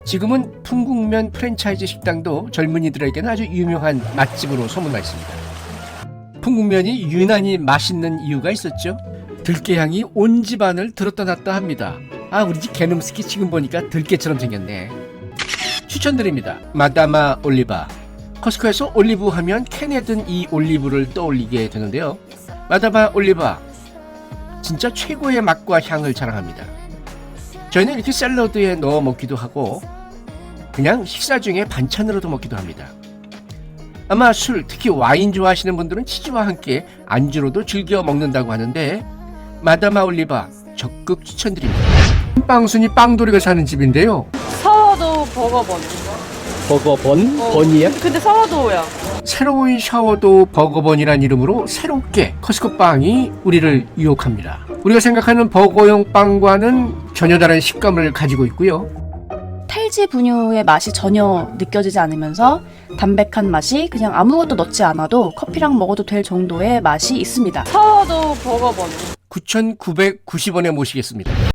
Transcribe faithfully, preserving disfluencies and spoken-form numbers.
지금은 풍국면 프랜차이즈 식당도 젊은이들에게는 아주 유명한 맛집으로 소문나 있습니다. 풍국면이 유난히 맛있는 이유가 있었죠. 들깨향이 온 집안을 들었다 놨다 합니다. 아, 우리 집 개놈스키 지금 보니까 들깨처럼 생겼네. 추천드립니다. 마다마 올리바. 커스코에서 올리브 하면 캔에 든 이 올리브를 떠올리게 되는데요. 마다마 올리바 진짜 최고의 맛과 향을 자랑합니다. 저희는 이렇게 샐러드에 넣어 먹기도 하고 그냥 식사 중에 반찬으로도 먹기도 합니다. 아마 술, 특히 와인 좋아하시는 분들은 치즈와 함께 안주로도 즐겨 먹는다고 하는데 마다마 올리바 적극 추천드립니다. 빵순이 빵돌이가 사는 집인데요. 사워도우 버거번. 버거번? 어, 번이야? 근데 사워도우야. 새로운 샤워도우 버거번이란 이름으로 새롭게 커스코 빵이 우리를 유혹합니다. 우리가 생각하는 버거용 빵과는 전혀 다른 식감을 가지고 있고요. 탈지 분유의 맛이 전혀 느껴지지 않으면서 담백한 맛이 그냥 아무것도 넣지 않아도 커피랑 먹어도 될 정도의 맛이 있습니다. 사워도우 버거번. 구천구백구십 원에 모시겠습니다.